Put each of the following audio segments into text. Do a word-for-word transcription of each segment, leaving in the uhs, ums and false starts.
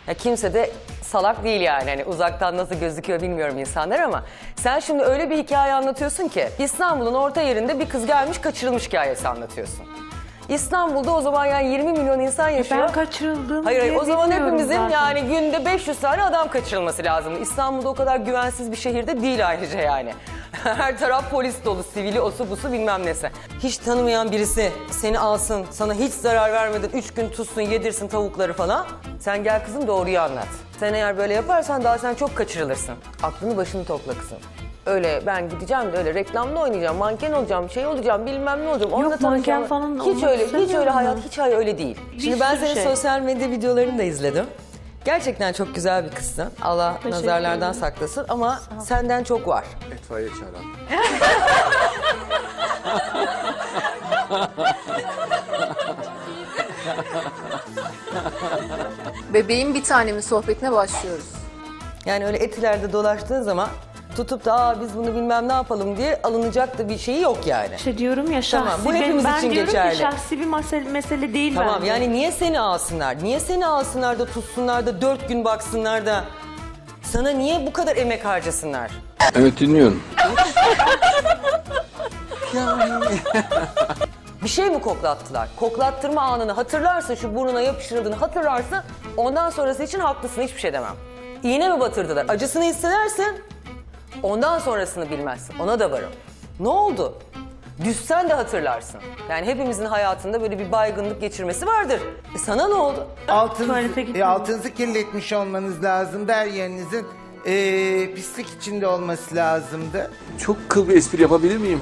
Ya kimse de salak değil yani. Hani uzaktan nasıl gözüküyor bilmiyorum insanlar ama sen şimdi öyle bir hikaye anlatıyorsun ki İstanbul'un orta yerinde bir kız gelmiş kaçırılmış hikayesi anlatıyorsun. İstanbul'da o zaman yani yirmi milyon insan yaşıyor. Ben kaçırıldım Hayır hayır diye o zaman bilmiyorum hepimizin zaten. yani günde beş yüz tane adam kaçırılması lazım. İstanbul'da o kadar güvensiz bir şehirde değil ayrıca yani. Her taraf polis dolu, sivili, osu busu bilmem nesi. Hiç tanımayan birisi seni alsın, sana hiç zarar vermeden üç gün tutsun, yedirsin tavukları falan. Sen gel kızım doğruyu anlat. Sen eğer böyle yaparsan daha sen çok kaçırılırsın. Aklını başını topla kızım. Öyle ben gideceğim de öyle reklamda oynayacağım, manken olacağım, şey olacağım, bilmem ne olacağım. Onunla Yok, manken tanışacağım. falan Hiç olmak öyle, hiç öyle istemiyorum hayat, ben. hiç hayır öyle değil. Şimdi ben sürü senin şey. sosyal medya videolarını da izledim. Gerçekten çok güzel bir kızsın. Allah Teşekkür nazarlardan ederim. saklasın ama senden çok var. İtfaiye çağıran. Bebeğin bir tanemin sohbetine başlıyoruz. Yani öyle etilerde dolaştığın zaman tutup da aa biz bunu bilmem ne yapalım diye alınacak da bir şeyi yok yani. İşte diyorum ya şahsi, Tamam, bu ben- hepimiz ben için diyorum geçerli. ki şahsi bir mesele, mesele değil Tamam bence. yani niye seni alsınlar? Niye seni alsınlar da tutsunlar da dört gün baksınlar da sana niye bu kadar emek harcasınlar? Evet dinliyorum. Bir şey mi koklattılar? Koklattırma anını hatırlarsın, şu burnuna yapıştırıldığını hatırlarsın. Ondan sonrası için haklısın, hiçbir şey demem. İğne mi batırdılar? Acısını hissedersin. Ondan sonrasını bilmezsin. Ona da varım. Ne oldu? Düşsen de hatırlarsın. Yani hepimizin hayatında böyle bir baygınlık geçirmesi vardır. E sana ne oldu? Tuvalete Altınızı, gitmedim. e, altınızı kirletmiş olmanız lazımdı. Her yerinizin e, pislik içinde olması lazımdı. Çok kıl bir espri yapabilir miyim?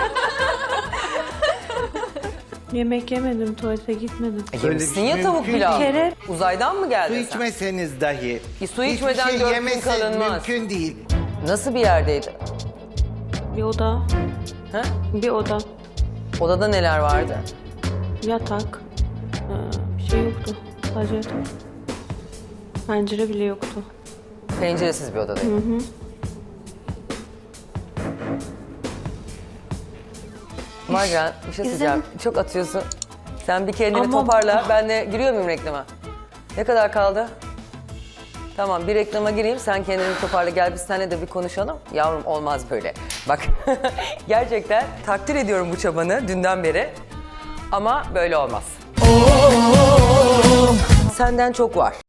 Yemek yemedim, tuvalete gitmedim. E Öyle yemişsin bir ya şey tavuk mümkün pilav. değil. Bir kere- Uzaydan mı geldin Su sen? içmeseniz dahi. Bir su hiçbir içmeden şey dört gün yemesi kalınmaz. mümkün değil. Nasıl bir yerdeydi? Bir oda, Ha? bir oda, Odada neler vardı? yatak, ee, bir şey yoktu. Sadece yatak. Pencere bile yoktu. Penceresiz bir odadaydı. Hı hı. Marcan bir şey söyleyeceğim. Çok atıyorsun. Sen bir kendini Ama- toparla. Ben de giriyor muyum reklama? Ne kadar kaldı? Tamam bir reklama gireyim. Sen kendini toparla. Gel biz seninle de bir konuşalım. Yavrum olmaz böyle. Bak gerçekten takdir ediyorum bu çabanı dünden beri. Ama böyle olmaz. Senden çok var.